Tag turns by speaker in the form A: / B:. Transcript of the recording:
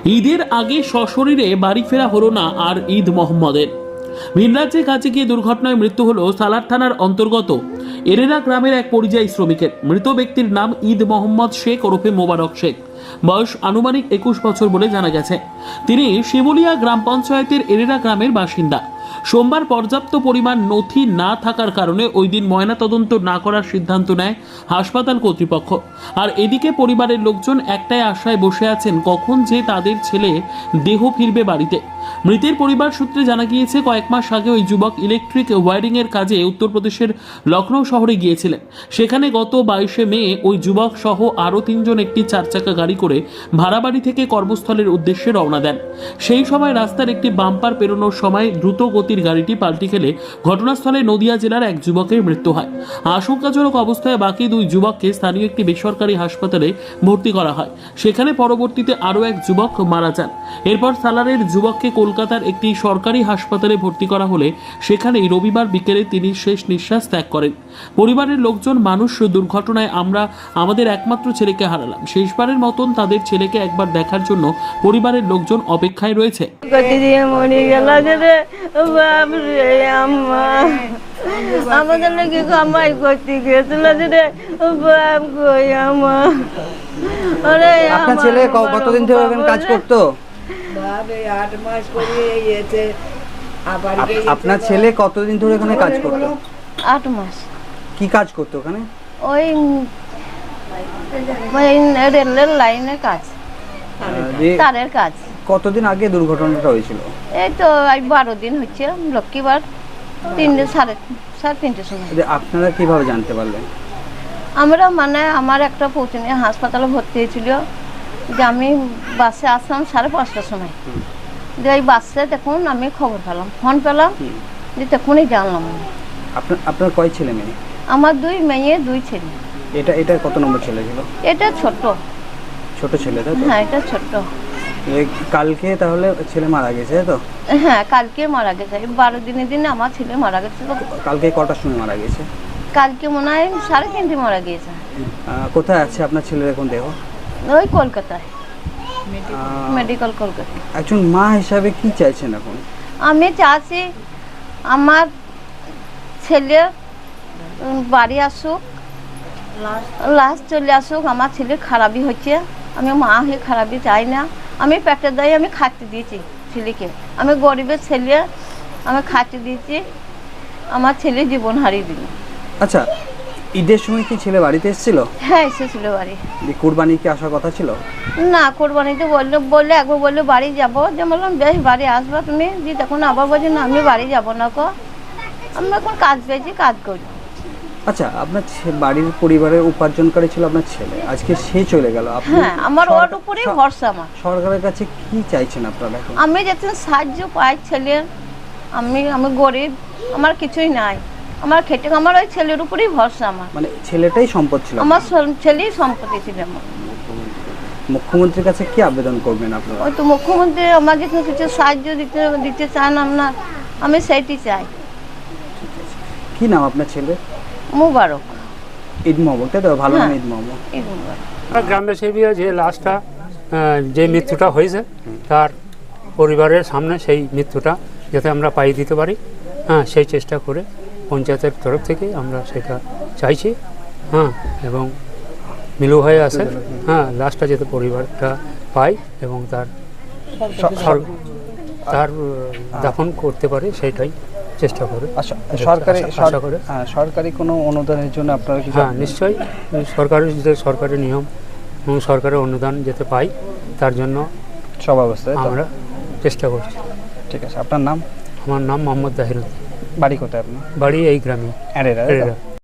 A: ঈদের আগে সশরীরে বাড়ি ফেরা হলো না আর ঈদ মোহাম্মদের। ভিনরাজ্যের কাছে গিয়ে দুর্ঘটনায় মৃত্যু হলো সালার থানার অন্তর্গত এরেরা গ্রামের এক পরিযায়ী শ্রমিকের। মৃত ব্যক্তির নাম ঈদ মোহাম্মদ শেখ ওরফে মোবারক শেখ। বয়স আনুমানিক 21 বছর বলে জানা গেছে। তিনি শিমুলিয়া গ্রাম পঞ্চায়েতের এরেরা গ্রামের বাসিন্দা। সোমবার পর্যাপ্ত পরিমাণ নথি না থাকার কারণে ওই দিন ময়নাতদন্ত না করার সিদ্ধান্ত নেয় হাসপাতাল কর্তৃপক্ষ। আর এদিকে পরিবারের লোকজন একটাই আশায় বসে আছেন কখন যে তাদের ছেলে দেহ ফিরবে বাড়িতে। মৃতের পরিবার সূত্রে জানা গিয়েছে, কয়েক মাস আগে ওই যুবক ইলেকট্রিক ওয়্যারিং এর কাজে উত্তরপ্রদেশের লখনৌ শহরে গিয়েছিলেন। সেখানে গত 22শে মে ওই যুবক সহ আরও 3 জন একটি 4 চাকা গাড়ি করে ভাড়া বাড়ি থেকে কর্মস্থলের উদ্দেশ্যে রওনা দেন। সেই সময় রাস্তার একটি বাম্পার পেরোনোর সময় দ্রুত গতির গাড়িটি পাল্টি খেলে ঘটনাস্থলে নদিয়া জেলার এক যুবকের মৃত্যু হয়। আশঙ্কাজনক অবস্থায় বাকি 2 যুবককে স্থানীয় একটি বেসরকারি হাসপাতালে ভর্তি করা হয়। সেখানে পরবর্তীতে আরও এক যুবক মারা যান। এরপর সালারের যুবককে কলকাতার একটি সরকারি হাসপাতালে ভর্তি করা হলে সেখানেই রবিবার বিকেলে তিনি শেষ নিঃশ্বাস ত্যাগ করেন। পরিবারের লোকজন, মানুষ দুর্ঘটনায় আমরা আমাদের একমাত্র ছেলেকে হারালাম। শেষবারের মতন তাদের ছেলেকে একবার দেখার জন্য পরিবারের লোকজন অপেক্ষায় রয়েছে।
B: আমাদের নাকি কামাই করতে গিয়েছিল রে বাপ গো আমার।
C: আপনার ছেলে কতদিন ধরে কাজ করতো? আপনার ছেলে কতদিন ধরে এখানে কাজ করতো?
B: 8 মাস।
C: কি কাজ করতো ওখানে?
B: ওই রেলের লাইনে কাজ, তারের কাজ।
C: কতদিন আগে দুর্ঘটনাটা হয়েছিল?
B: এই তো 12 দিন হচ্ছে, লক্ষ্মীবার 3:30 সময়।
C: আপনারা কিভাবে জানতে পারলেন?
B: আমরা আমার একটা পৌঁছনে হাসপাতালে ভর্তি হয়েছিল, যে আমি বাসে আসলাম 5:30টার সময়। যে এই বাসে দেখুন আমি খবর পেলাম, ফোন পেলাম, যে তখনই জানলাম।
C: আপনার কয় ছেলে মেয়ে?
B: আমার 2 মেয়ে 2 ছেলে।
C: এটা কত নম্বর ছেলে ছিল?
B: এটা ছোট
C: ছেলে, তাই তো?
B: হ্যাঁ, এটা ছোট।
C: কালকে তাহলে ছেলে মারা গেছে, তাই তো?
B: হ্যাঁ, কালকে মারা গেছে। 12 দিনের দিনে আমার ছেলে মারা গেছে।
C: কালকে কটার সময় মারা গেছে?
B: কালকে মনে হয় 3:30 মারা গিয়েছে।
C: কোথায় আছে আপনার ছেলের এখন দেহ?
B: ওই কলকাতায়, মেডিকেল কলকাতা।
C: একজন মা হিসাবে কি চাইছেন এখন?
B: আমি চাচ্ছি আমার ছেলে বাড়ি আসুক, লাস্ট চলে আসুক। আমার ছেলে খারাপই হচ্ছে, আমি মা হয়ে খারাপই চাই না। আমি পেটের দায়ে আমি খাইতে দিয়েছি ছেলেকে। আমি গরিবের ছেলে, আমি খাইতে দিয়েছি। আমার ছেলে জীবন হারিয়ে দিল।
C: আচ্ছা, ঈদের সময় কি ছেলে বাড়িতে এসেছিল?
B: হ্যাঁ, এসেছিল বাড়ি।
C: কুরবানি কি আসার কথা ছিল?
B: না, কোরবানিতে বললে একবার বললে বাড়ি যাবো, যে বললাম বেশ বাড়ি আসবা তুমি। যে তখন আবার বলছি না, আমি বাড়ি যাবো না কো, আমি এখন কাজ পেয়েছি, কাজ করি।
C: আচ্ছা, আপনার বাড়ির পরিবারের উপার্জনকারী ছিল আপনার ছেলে, আজকে সে চলে গেল।
B: হ্যাঁ, আমার ওর উপরেই ভরসা। আমার
C: সরকারের কাছে কি চাইছেন আপনারা?
B: আমি যাতে সাহায্য পাই ছেলে। আমি গরিব, আমার কিছুই নাই, আমার খেটে আমার ওই ছেলের উপরেই ভরসা। আমার
C: মানে ছেলেটাই সম্পদ ছিল?
B: আমার ছেলেই সম্পত্তি ছিল আমার।
C: মুখ্যমন্ত্রীর কাছে কি আবেদন করবেন আপনারা?
B: ওই তো মুখ্যমন্ত্রী আমাকে কিছু সাহায্য দিতে চান আপনার, আমি সেইটি চাই।
C: কি নাম আপনার ছেলে?
B: মুবারক।
C: ঈদ মোহাম্মদ, তাই তো? ভালো নাম ঈদ মোহাম্মদ।
B: ঈদ মুবারক।
D: গ্রামবাসী যে লাশটা, যে মৃত্যুটা হয়েছে, তার পরিবারের সামনে সেই মৃত্যুটা যাতে আমরা পাই দিতে পারি, হ্যাঁ, সেই চেষ্টা করে পঞ্চায়েতের তরফ থেকে আমরা সেটা চাইছি। হ্যাঁ, এবং মিলু হয়ে আছে, হ্যাঁ, লাশটা যাতে পরিবারটা পায় এবং তার দাফন করতে পারে, সেইটাই চেষ্টা করে।
C: সরকারি কোনো অনুদানের জন্য আপনারা কি?
D: হ্যাঁ, নিশ্চয়ই সরকারি নিয়ম এবং সরকারের অনুদান যেতে পাই, তার জন্য
C: সব ব্যবস্থা
D: আমরা চেষ্টা করছি।
C: ঠিক আছে, আপনার নাম?
D: আমার নাম মোহাম্মদ দাহিরুদ্দিন।
C: বাড়ি কোথায় আপনার?
D: বাড়ি এই গ্রামে, এরেরা।